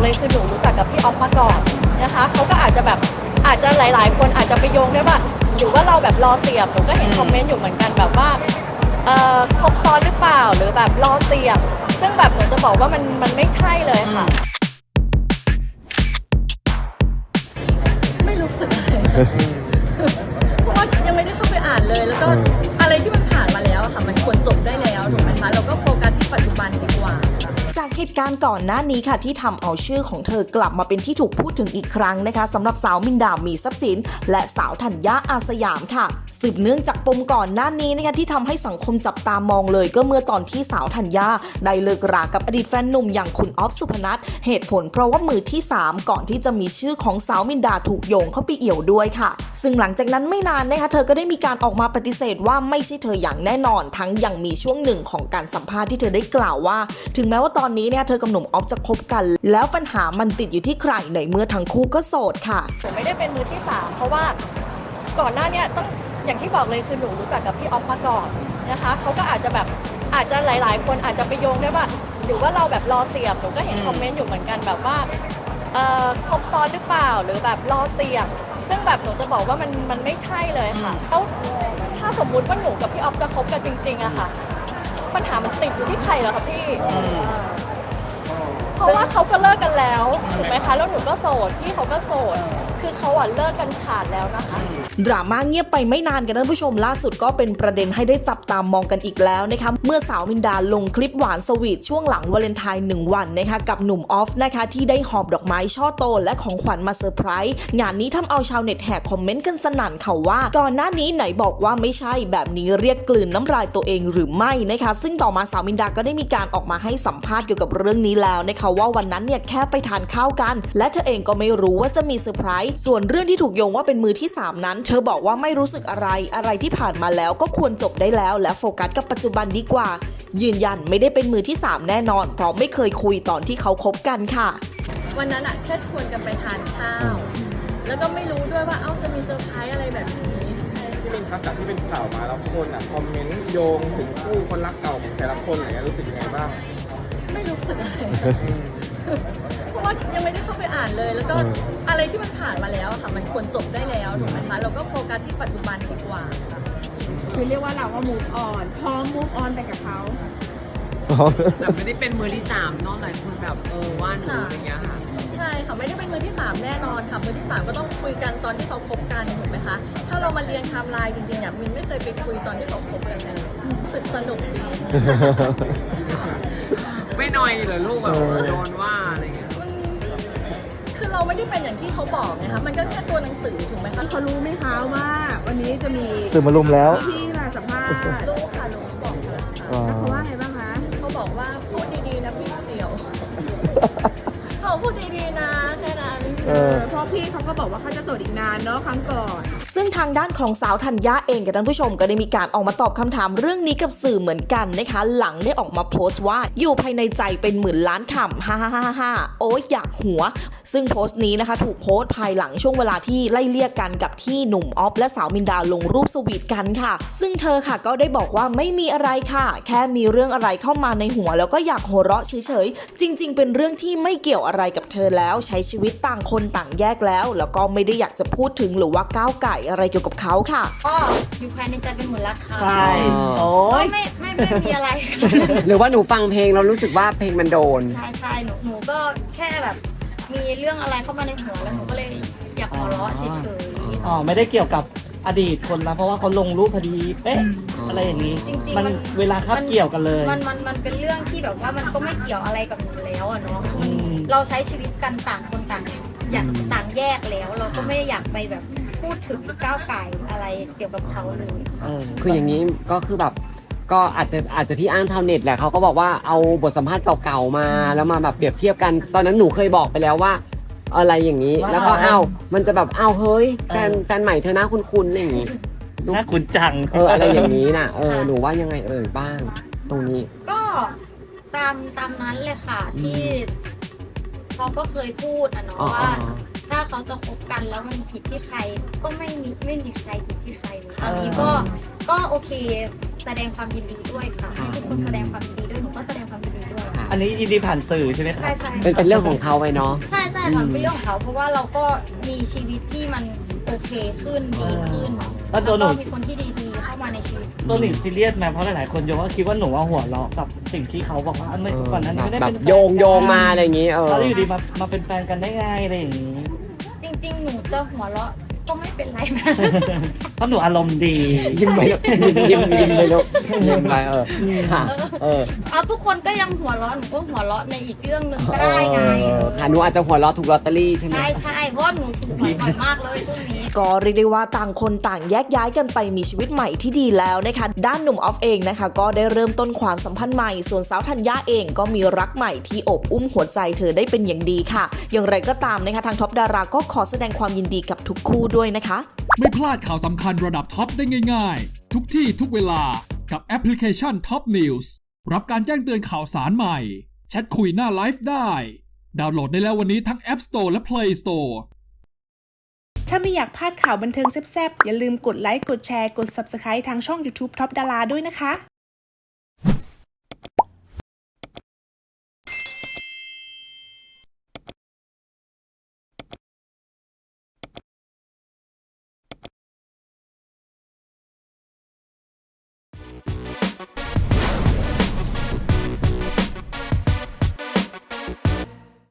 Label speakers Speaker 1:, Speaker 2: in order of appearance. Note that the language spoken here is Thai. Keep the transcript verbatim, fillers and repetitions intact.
Speaker 1: เลยคือหนูรู้จักกับพี่ออฟมาก่อนนะคะเขาก็อาจจะแบบอาจจะหลายๆคนอาจจะไปโยงได้ว่าหรือว่าเราแบบรอเสียบหนูก็เห็นคอมเมนต์อยู่เหมือนกันแบบว่าเอ่อครบซ้อนหรือเปล่าหรือแบบรอเสียบซึ่งแบบหนูจะบอกว่ามันมันไม่ใช่เลยค่ะไม่รู้สึกเลยเพราะว่ายังไม่ได้เข้าไปอ่านเลยแล้วก็อะไรที่มันผ่านมาแล้วค่ะมันควรจบได้แล้วถูกไหมคะเราก็โฟกัสที่ปัจจุบันดีกว่า
Speaker 2: จากเหตุการณ์ก่อนหน้านี้ค่ะที่ทำเอาชื่อของเธอกลับมาเป็นที่ถูกพูดถึงอีกครั้งนะคะสำหรับสาวมินดามีทรัพย์สินและสาวธัญญาอาสยามค่ะสืบเนื่องจากปมก่อนหน้านี้นะคะที่ทำให้สังคมจับตามองเลยก็เมื่อตอนที่สาวธัญญาได้เลิกรากับอดีตแฟนหนุ่มอย่างคุณออฟสุพนัทเหตุผลเพราะว่ามือที่สามก่อนที่จะมีชื่อของสาวมินดาถูกโยงเข้าไปเอี่ยวด้วยค่ะซึ่งหลังจากนั้นไม่นานนะคะเธอก็ได้มีการออกมาปฏิเสธว่าไม่ใช่เธออย่างแน่นอนทั้งยังมีช่วงหนึ่งของการสัมภาษณ์ที่เธอได้กล่าวว่าถึงแม้ว่าตอนนี้เนี่ยเธอกับหนุ่มออฟจะคบกันแล้วปัญหามันติดอยู่ที่ใครในเมื่อทั้งคู่ก็โสดค่ะ
Speaker 1: ผมไม่ได้เป็นมือที่สามเพราะว่าก่อนหน้านี้ต้องอย่างที่บอกเลยคือหนูรู้จักกับพี่ออฟมาก่อนนะคะเขาก็อาจจะแบบอาจจะหลายๆคนอาจจะไปโยงได้ว่าหรือว่าเราแบบรอเสียบหนูก็เห็นคอมเมนต์อยู่เหมือนกันแบบว่าเอ่อครบซ้อนหรือเปล่าหรือแบบรอเสียบซึ่งแบบหนูจะบอกว่ามันมันไม่ใช่เลยค่ะแล้วถ้าสมมุติว่าหนูกับพี่ออฟจะคบกันจริงๆอะค่ะปัญหามันติดอยู่ที่ใครเหรอคะพี่เพราะว่าเขาก็เลิกกันแล้วถูกไหมคะแล้วหนูก็โสดพี่เขาก็โสดคือเขาอ่ะเลิกกันขาดแล้วนะคะ
Speaker 2: ดราม่าเงียบไปไม่นานกันท่านผู้ชมล่าสุดก็เป็นประเด็นให้ได้จับตามมองกันอีกแล้วนะคะเมื่อสาวมินดาลงคลิปหวานสวีทช่วงหลังวาเลนไทน์หนึ่งวันนะคะกับหนุ่มออฟนะคะที่ได้หอบดอกไม้ช่อโตและของขวัญมาเซอร์ไพรส์งานนี้ทำเอาชาวเน็ตแห่คอมเมนต์กันสนั่นค่ะว่าก่อนหน้านี้ไหนบอกว่าไม่ใช่แบบนี้เรียกกลืนน้ำลายตัวเองหรือไม่นะคะซึ่งต่อมาสาวมินดาก็ได้มีการออกมาให้สัมภาษณ์เกี่ยวกับเรื่องนี้แล้วนะคะว่าวันนั้นเนี่ยแค่ไปทานข้าวกันและเธอเองก็ไม่รู้ว่าจะมีเซอร์ไพรส์ส่วนเรื่องที่ถูกโยงว่าเป็นมือที่สามนั้นเธอบอกว่าไม่รู้สึกอะไรอะไรที่ผ่านมาแล้วก็ควรจบได้แล้วและโฟกัสกับปัจจุบันดีกว่ายืนยันไม่ได้เป็นมือที่สามแน่นอนเพราะไม่เคยคุยตอนที่เขาคบกันค่ะ
Speaker 1: วันนั้นอะแค่ชวนกันไปทานข้าวแล้วก็ไม่รู้ด้วยว่าเอ้าจะมีเซอร์ไพรส์อะไรแบบนี้
Speaker 3: ที่เป็นครับจากที่เป็นข่าวมาแล้วคนอ่ะคอมเมนต์โยงถึงคู่คนรักเก่าของแต่ละคนอะไรเงี้ยรู้สึกยังไงบ้าง
Speaker 1: ไม่รู้สึกอะไรเพราะว่ายังไม่ได้เข้าไปอ่านเลยแล้วก็อะไรที่มันผ่านมาแล้วค่ะมันควรจบได้แล้วถูกไหมคะเราก็โฟกัสที่ปัจจุบันดีกว่า
Speaker 4: คือเรียกว่าเราก็ move on พร้อม move on ไปกับเขา
Speaker 5: แต่ไม่ได้เป็นมือที่สามนอกหลายคนแบบเออว่าหนูอย่างเงี้ยค่ะ
Speaker 1: ใช่ค่ะไม่ได้เป็นมือที่สามแน่นอนค่ะมือที่สามก็ต้องคุยกันตอนที่เขาคบกันถูกไหมคะถ้าเรามาเรียงไทม์ไลน์จริงๆเนี่ยมินไม่เคยไปคุยตอนที่เขาคบกันเลยสึกสนุกดี
Speaker 5: ไม่น้อยเหรอลูกแบบโดนว่าอะไรเงี้ย
Speaker 1: คือเราไม่ได้เป็นอย่างที่เขาบอกไงคะมันก็แค่ตัวหนังสือถูกไหมคะ
Speaker 4: เขารู้ไหมคะว่าวันนี้จะมี
Speaker 6: ตื่นมารุมแล้ว
Speaker 4: พี่มาสัมภาษณ์
Speaker 1: รู้ค่ะรู้บอกค่ะ
Speaker 4: แล้วเขาว่าไงบ้างคะ
Speaker 1: เขาบอกว่าพูดดีๆนะพี่เสี่ยวเขาพูดดีๆนะแค่นั้น
Speaker 4: เออเพราะพี่เขาก็บอกว่าเขาจะโสดอีกนานเนาะครั้งก่อน
Speaker 2: ซึ่งทางด้านของสาวธัญญาเองกับท่านผู้ชมก็ได้มีการออกมาตอบคำถามเรื่องนี้กับสื่อเหมือนกันนะคะหลังได้ออกมาโพสต์ว่าอยู่ภายในใจเป็นหมื่นล้านคำฮ่าฮ่าฮ่าฮ่าโอ้ยอยากหัวซึ่งโพสต์นี้นะคะถูกโพสต์ภายหลังช่วงเวลาที่ไล่เลี่ยกันกับที่หนุ่มออฟและสาวมินดาลงรูปสวีทกันค่ะซึ่งเธอค่ะก็ได้บอกว่าไม่มีอะไรค่ะแค่มีเรื่องอะไรเข้ามาในหัวแล้วก็อยากหัวเราะเฉยๆจริงๆเป็นเรื่องที่ไม่เกี่ยวอะไรกับเธอแล้วใช้ชีวิตต่างคนต่างแยกแล้วแล้วก็ไม่ได้อยากจะพูดถึงหรือว่าก้าวไก่อะไรเกี่ยวกับเขาค่ะ
Speaker 1: อ๋ออยู่ภายในใจเป็นหมื่นล้านคำ
Speaker 6: ใช่โอ้
Speaker 1: ยไม่ไม่ไม่มีอะไร
Speaker 5: หรือว่าหนูฟังเพลงเรารู้สึกว่าเพลงมันโดน
Speaker 1: ใช่ใช่หนูหนูก็แค่แบบมีเรื่องอะไรเข้ามาในหัวแล้วหนูก็เลยอยากหัวเราะเฉยๆ
Speaker 6: อ๋อไม่ได้เกี่ยวกับอดีตคนนะเพราะว่าเขาลงรูปพอดีเป๊ะอะไรอย่างนี้
Speaker 1: จริงๆ
Speaker 6: มันเวลาคาบเกี่ยวกันเลย
Speaker 1: มันมันมันเป็นเรื่องที่แบบว่ามันก็ไม่เกี่ยวอะไรกับหนูแล้วอะเนาะเราใช้ชีวิตกันต่างคนต่างอยากต่างแยกแล้วเราก็ไม่อยากไปแบบพูดถึงก้าวไก่อะไรเกี่ยวกับเขาเลย
Speaker 5: คืออย่างนี้ก็คือแบบก็อาจจะอาจจะพี่อ้างชาวเน็ตแหละเขาก็บอกว่าเอาบทสัมภาษณ์เก่าๆมาแล้วมาแบบเปรียบเทียบกันตอนนั้นหนูเคยบอกไปแล้วว่าอะไรอย่างนี้แล้วก็เอ้ามันจะแบบเอ้าเฮ้ยแฟนแฟนใหม่เธอหน้าคุ้นๆอะไรอย่างนี้
Speaker 6: น่าคุ้นจัง
Speaker 5: เอออะไรอย่างนี้น่ะเออหนูว่ายังไงเอ่ยบ้างตรงนี้
Speaker 1: ก็ตามตามนั้นเลยค่ะที่เขาก็เคยพูดอะเนาะว่าถ้าเขาจะคบกันแล้วมันผิดที่ใครก็ไม่มีไม่มีใครผิดที่ใครเลยตอนนี้ก็ก็โอเคแสดงความยินดีด้วยค่ะให้ทุกคนแสดงความยินดีด้วยหนูก็แสดงความยินดีด้วย
Speaker 6: อันนี้ยินดีผ่านสื่อใช่ไหมครับ
Speaker 7: ใช่ใช่
Speaker 5: เป็นเป็นเรื่องของเขาไปเนาะ
Speaker 7: ใช่ใช่ค่ะเป็นเรื่องของเขาเพราะว่าเราก็มีชีวิตที่มันโอเคขึ้นดีขึ้น
Speaker 6: แล้วตัวหนู
Speaker 7: ก็มีคนที่ดีๆเข้ามาในชีวิต
Speaker 6: ตัวหนิงซีเรียสไหมเพราะหลายๆคนโยงว่าคิดว่าหนูว่าหัวเราะกับสิ่งที่เขาบอกว่าไม่ก่อนนั้นไม่ได้
Speaker 5: แบ
Speaker 6: เป็
Speaker 5: บ
Speaker 6: นแฟน
Speaker 5: โยงโยงมาอะไรอย่างงี้เออ
Speaker 6: แล้วอยู่ดีมามาเป็นแฟนกันได้ไงอะไรอย่างนี้
Speaker 7: จริง ๆ หนูจะหัวเราะก็ไม่เป็นไรนะ
Speaker 6: เพราะหนูอารมณ์ดี
Speaker 5: ยิ้มไปลูกยิ้มยิ้มยิ้มไปลูกยิ้มไปเออค่ะเออ
Speaker 7: เอาทุกคนก็ยังหัวเราะหนูก็หัวเราะในอีกเรื่องหนึ่งก็ได้ไง
Speaker 5: เออค่ะหนูอาจจะหัวเราะถูกลอตเตอรี่ใช่ไหม
Speaker 7: ใช่ใช่เพราะว่าหนูถูกหวยบ่อยมากเลยช่วงนี้
Speaker 2: ก็เรียกได้ว่าต่างคนต่างแยกย้ายกันไปมีชีวิตใหม่ที่ดีแล้วนะคะ ด้านหนุ่มออฟเองนะคะก็ได้เริ่มต้นความสัมพันธ์ใหม่ส่วนสาวธัญญาเองก็มีรักใหม่ที่อบอุ้มหัวใจเธอได้เป็นอย่างดีค่ะ อย่างไรก็ตามนะคะทางท็อปดาราก็ขอแสดงความยินดีกับทุกคู่ด้วยนะคะ
Speaker 8: ไม่พลาดข่าวสำคัญระดับท็อปได้ง่ายๆ ทุกที่ทุกเวลากับแอปพลิเคชัน Top News รับการแจ้งเตือนข่าวสารใหม่แชทคุยหน้าไลฟ์ได้ดาวน์โหลดได้แล้ววันนี้ทั้ง App Store และ Play Store
Speaker 9: ถ้าไม่อยากพลาดข่าวบันเทิงแซ่บๆอย่าลืมกดไลค์กดแชร์กด ซับสไครบ์ ทางช่อง ยูทูบ ท็อปดาราด้วยนะคะ